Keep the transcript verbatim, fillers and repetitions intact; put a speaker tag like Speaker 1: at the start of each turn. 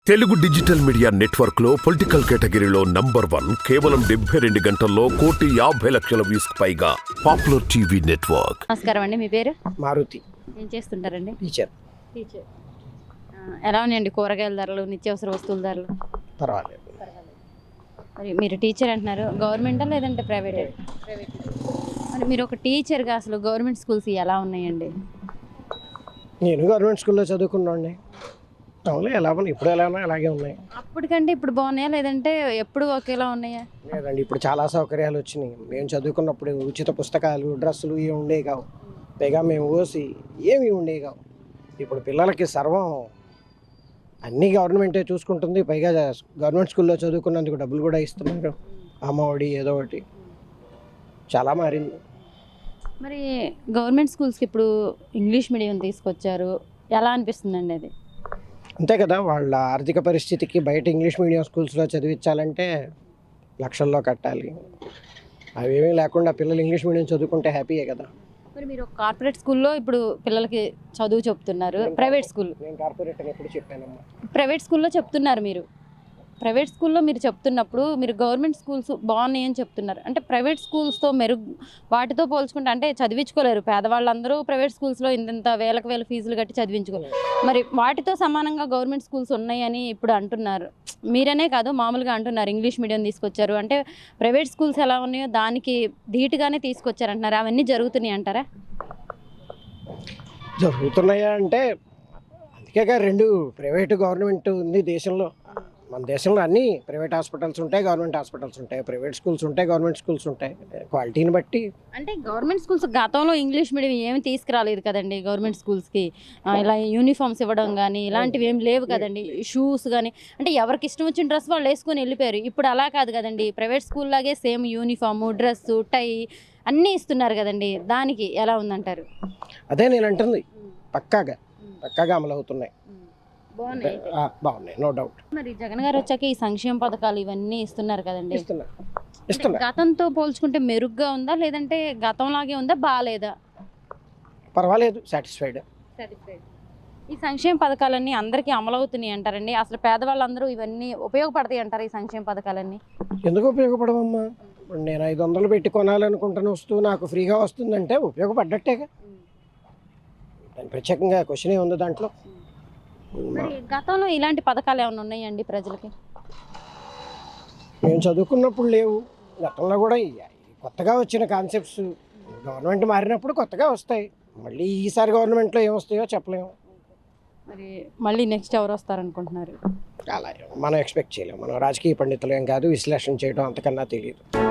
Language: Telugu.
Speaker 1: తెలుగు డిజిటల్ మీడియా నెట్వర్క్ లో పొలిటికల్ కేటగిరీలో నంబర్ వన్ కేవలం డెబ్బై రెండు గంటల్లో కోటి యాభై లక్షల వ్యూస్ పైగా పాపులర్ టీవీ నెట్వర్క్.
Speaker 2: నమస్కారం అండి, మీ పేరు?
Speaker 3: మారుతి.
Speaker 2: ఏం చేస్తుంటారండి?
Speaker 3: టీచర్.
Speaker 2: టీచర్. ఎలా ఉన్నాయండి కూరగాయల ధరలు, నిత్యావసర వస్తువుల ధరలు?
Speaker 3: పర్వాలేదు.
Speaker 2: మరి మీరు టీచర్ అంటున్నారు, గవర్నమెంటా లేదంటే ప్రైవేట్? ప్రైవేట్. మరి మీరు ఒక టీచర్గా అసలు గవర్నమెంట్ స్కూల్స్ ఎలా ఉన్నాయండి?
Speaker 3: నేను గవర్నమెంట్ స్కూల్లో చదువుకున్నాండి. అవును, ఎలా ఉన్నాయి ఇప్పుడు, ఎలా ఉన్నాయి అలాగే ఉన్నాయి.
Speaker 2: అప్పటికంటే ఇప్పుడు బాగున్నాయా లేదంటే ఎప్పుడు ఒకేలా ఉన్నాయా?
Speaker 3: లేదండి, ఇప్పుడు చాలా సౌకర్యాలు వచ్చినాయి. మేము చదువుకున్నప్పుడు ఉచిత పుస్తకాలు, డ్రెస్సులు ఇవి ఉండేవి కావు. పైగా మేము ఓసి ఏమి ఉండేవి కావు. ఇప్పుడు పిల్లలకి సర్వం అన్నీ గవర్నమెంటే చూసుకుంటుంది. పైగా గవర్నమెంట్ స్కూల్లో చదువుకున్నందుకు డబ్బులు కూడా ఇస్తున్నారు, అమ్మఒడి ఏదో ఒకటి. చాలా మారింది.
Speaker 2: మరి గవర్నమెంట్ స్కూల్స్కి ఇప్పుడు ఇంగ్లీష్ మీడియం తీసుకొచ్చారు, ఎలా అనిపిస్తుందండి అది?
Speaker 3: అంతే కదా, వాళ్ళ ఆర్థిక పరిస్థితికి బయట ఇంగ్లీష్ మీడియం స్కూల్స్లో చదివించాలంటే లక్షల్లో కట్టాలి. అవేమీ లేకుండా పిల్లలు ఇంగ్లీష్ మీడియం చదువుకుంటే హ్యాపీయే కదా.
Speaker 2: మరి మీరు కార్పొరేట్ స్కూల్లో ఇప్పుడు పిల్లలకి చదువు చెప్తున్నారు, ప్రైవేట్ స్కూల్?
Speaker 3: నేను కార్పొరేట్ అని ఎప్పుడు చెప్పానమ్మా.
Speaker 2: ప్రైవేట్ స్కూల్లో చెప్తున్నారు మీరు. ప్రైవేట్ స్కూల్లో మీరు చెప్తున్నప్పుడు మీరు గవర్నమెంట్ స్కూల్స్ బాగున్నాయి అని చెప్తున్నారు. అంటే ప్రైవేట్ స్కూల్స్తో మెరుగు వాటితో పోల్చుకుంటే అంటే చదివించుకోలేరు పేదవాళ్ళందరూ. ప్రైవేట్ స్కూల్స్లో ఇంత వేలకు వేల ఫీజులు కట్టి చదివించుకోలేరు. మరి వాటితో సమానంగా గవర్నమెంట్ స్కూల్స్ ఉన్నాయని ఇప్పుడు అంటున్నారు. మీరనే కాదు, మామూలుగా అంటున్నారు ఇంగ్లీష్ మీడియం తీసుకొచ్చారు అంటే. ప్రైవేట్ స్కూల్స్ ఎలా ఉన్నాయో దానికి ధీటుగానే తీసుకొచ్చారు అంటున్నారు. అవన్నీ జరుగుతున్నాయి అంటారా?
Speaker 3: జరుగుతున్నాయా అంటే అందుకేగా రెండు ప్రైవేటు గవర్నమెంట్ ఉంది దేశంలో. మన దేశంలో అన్ని ప్రైవేట్ హాస్పిటల్స్ ఉంటాయి, గవర్నమెంట్ హాస్పిటల్స్ ఉంటాయి, ప్రైవేట్ స్కూల్స్ ఉంటాయి, గవర్నమెంట్ స్కూల్స్ ఉంటాయి. క్వాలిటీని బట్టి.
Speaker 2: అంటే గవర్నమెంట్ స్కూల్స్ గతంలో ఇంగ్లీష్ మీడియం ఏమి తీసుకురాలేదు కదండి గవర్నమెంట్ స్కూల్స్కి. ఇలా యూనిఫామ్స్ ఇవ్వడం కానీ ఇలాంటివి ఏమి లేవు కదండి, షూస్ కానీ. అంటే ఎవరికి ఇష్టం వచ్చిన డ్రెస్ వాళ్ళు వేసుకొని వెళ్ళిపోయారు. ఇప్పుడు అలా కాదు కదండి, ప్రైవేట్ స్కూల్ లాగే సేమ్ యూనిఫాము, డ్రెస్సు, టై అన్నీ ఇస్తున్నారు కదండి. దానికి ఎలా ఉందంటారు?
Speaker 3: అదే నేను అంటుంది, పక్కాగా పక్కాగా అమలు అవుతున్నాయి,
Speaker 2: బాగున్నాయి,
Speaker 3: బాగున్నాయి, నో డౌట్.
Speaker 2: మరి జగన్ గారు వచ్చాక ఈ సంక్షేమ పథకాలు ఇవన్నీ ఇస్తున్నారు కదండి.
Speaker 3: ఇస్తున్నారు.
Speaker 2: గతంతో పోల్చుకుంటే మెరుగ్గా ఉందా లేదంటే గతంలాగే ఉందా, బాగాలేదా?
Speaker 3: పర్వాలేదు, సాటిస్ఫైడ్.
Speaker 2: సాటిస్ఫైడ్. ఈ సంక్షేమ పథకాలన్నీ అందరికీ అమలవుతున్నాయి అంటారండి. అసలు పేదవాళ్ళందరూ ఇవన్నీ ఉపయోగపడతాయి అంటారు ఈ సంక్షేమ పథకాలన్నీ?
Speaker 3: ఎందుకు ఉపయోగపడవమ్మా? ఇప్పుడు నేను ఐదు వందలు పెట్టి కొనాలనుకుంటున్న వస్తువు నాకు ఫ్రీగా వస్తుందంటే ఉపయోగపడ్డట్టేగా. దాని ప్రత్యేకంగా క్వశ్చన్ ఉంది దాంట్లో.
Speaker 2: మరి గతంలో ఇలాంటి పథకాలు ఏమైనా ఉన్నాయండి ప్రజలకి?
Speaker 3: మేము చదువుకున్నప్పుడు లేవు. గతంలో కూడా కొత్తగా వచ్చిన కాన్సెప్ట్స్ గవర్నమెంట్ మారినప్పుడు కొత్తగా వస్తాయి. మళ్ళీ ఈసారి గవర్నమెంట్లో ఏమొస్తాయో చెప్పలేము.
Speaker 2: మరి మళ్ళీ నెక్స్ట్ ఎవరు వస్తారనుకుంటున్నారు?
Speaker 3: అలా మనం ఎక్స్పెక్ట్ చేయలేము. మనం రాజకీయ పండితులు ఏం కాదు, విశ్లేషణ చేయడం అంతకన్నా తెలియదు.